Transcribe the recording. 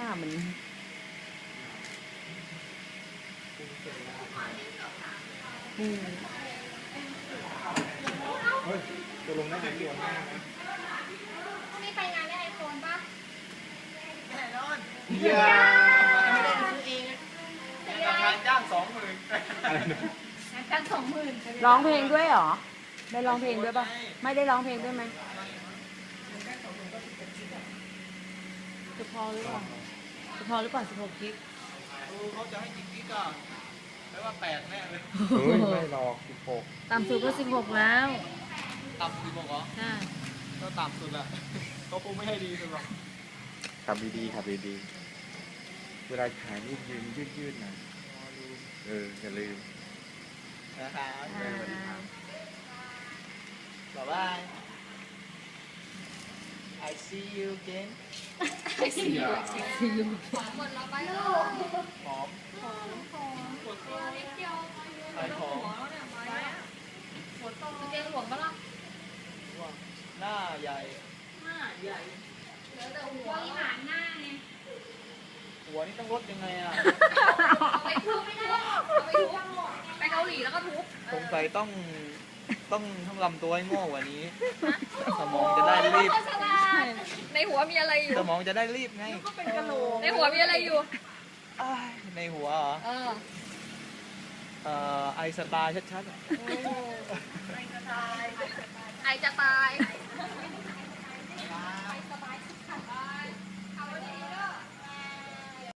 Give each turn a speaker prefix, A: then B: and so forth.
A: น้ามันอืม
B: เฮ้ยตัวลงได้ไหมตัวหน้าไหม
C: พรุ่งนี้ไปงานได้ไอโฟนป่ะ
B: แน่นอนเยี่ยมไม่ได้ซื้อเองราคาจ้าง20,000อะไรนะ
C: งานกัน20,000
A: ร้องเพลงด้วยเหรอ ได้ร้องเพลงด้วยป่ะ ไม่ได้ร้องเพลงด้วยไหมจะพอหรือเปล่าจะพอหรือเปล่า16 กิก
B: เขาจะให้กี่กิกอ่ะไม่ว่า8แน่เลยเฮ้ยไม่หรอก16
A: ต่ำสุดก็16แล้ว
B: ต่ำ16เหรอ
A: ใช่
B: ก็ต่ำสุดแหละเขาคงไม่ให้ดีสุดหรอกขับดีๆขับดีๆเวลาขายนี่ยืดๆนะอย่าลืมนะครับบ๊ายบาย I see you again
C: หมดแล้วไปลูก
B: หอม
C: ตัวเล็กเดียว
B: ขายของ
C: เตียงหลวงปะล่ะ
B: หน้าใหญ่
C: เหลือแต่หัวอีหานหน้าไง
B: หัวนี่ต้องลดยังไงอ่ะ
C: เอาไปทุบไม่ได้เอาไปทุบไปเกาหลีแล้วก็ทุบ
B: สงสัยต้องทำลำตัวให้โง่กว่านี้ สมองจะได้รีบ
C: ในหัวมีอะไรอยู่
B: สมองจะได้รีบไง
C: ในหัวมีอะไรอยู่
B: อ้ายในหัวเหรอ ไอสไตล์ชัดๆอะ
C: ไอจะตาย
B: บ๊ายบาย